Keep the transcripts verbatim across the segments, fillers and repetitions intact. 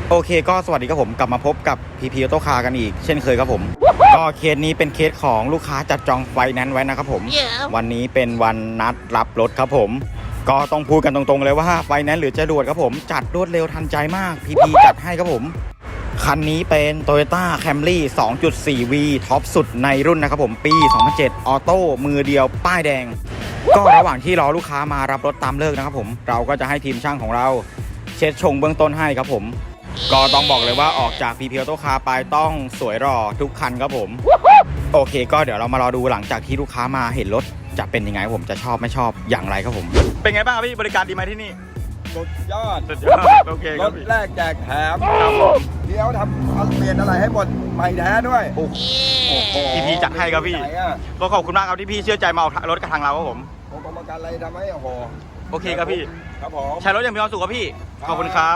โอเคก็สวัสดีครับผมกลับมาพบกับ พี พี Auto Car กันอีกเช่นเคยครับผมก็เคสนี้เป็นเคสของลูกค้าจัดจองไฟแนนซ์ไว้นะครับผม yeah. วันนี้เป็นวันนัดรับรถครับผมก็ต้องพูดกันตรงๆเลยว่าไฟแนนซ์หรือจรวดครับผมจัดรวดเร็วทันใจมาก พี พี จัดให้ครับผมคันนี้เป็น Toyota Camry สองจุดสี่ วี ท็อปสุดในรุ่นนะครับผมปี สองพันเจ็ด ออโต้มือเดียวป้ายแดงก็ระหว่างที่รอลูกค้ามารับรถตามเลิกนะครับผมเราก็จะให้ทีมช่างของเราเช็ดชงเบื้องต้นให้ครับผมก็ต้องบอกเลยว่าออกจาก พี พี Auto Car ไปต้องสวยหล่อทุกคันครับผมโอเคก็เดี๋ยวเรามารอดูหลังจากที่ลูกค้ามาเห็นรถจะเป็นยังไงผมจะชอบไม่ชอบอย่างไรครับผมเป็นไงบ้างครับพี่บริการดีไหมที่นี่สุดยอดสุดยอดโอเคครรับถพี่แรกแจกแถมครับผมเดี๋ยวทำเอาเปลี่ยนอะไรให้หมดใหม่แท้ด้วยโอ้โหพี่พีจัดให้ครับพี่ไหนอะก็ขอบคุณมากครับที่พี่เชื่อใจมาเอารถกับทางเราครับผมผมกรรมการอะไรทำให้โอ้โหโอเคครับพี่ครับผมใช้รถอย่างมีความสุขครับพี่ขอบคุณครับ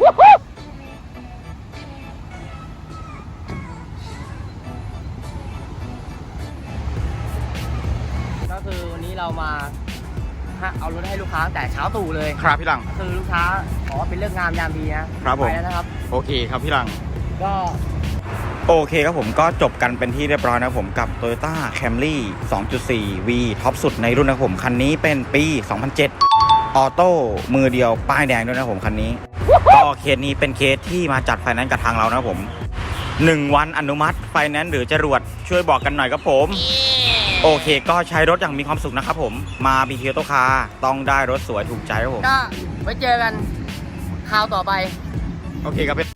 ก็คือวันนี้เรามาเอารถให้ลูกค้าตั้งแต่เช้าตู่เลยครับพี่หลังคือลูกค้าขอเป็นเรื่องงามยามดีนะครับผมไปแล้วนะครับโอเคครับพี่หลังก็โอเคครับผมก็จบกันเป็นที่เรียบร้อยนะครับผมกับ Toyota Camry สองจุดสี่ วี ท็อปสุดในรุ่นนะครับผมคันนี้เป็นปี สองพันเจ็ด ออโต้มือเดียวป้ายแดงด้วยนะครับผมคันนี้ก็เคสนี้เป็นเคสที่มาจัดไฟแนนซ์กับทางเรานะครับผมหนึ่งวันอนุมัติไฟแนนซ์หรือจรวดช่วยบอกกันหน่อยครับผมโอเคก็ใช้รถอย่างมีความสุขนะครับผมมา พี พี Auto Car ต้องได้รถสวยถูกใจครับผมก็ไว้เจอกันคราวต่อไปโอเคครับ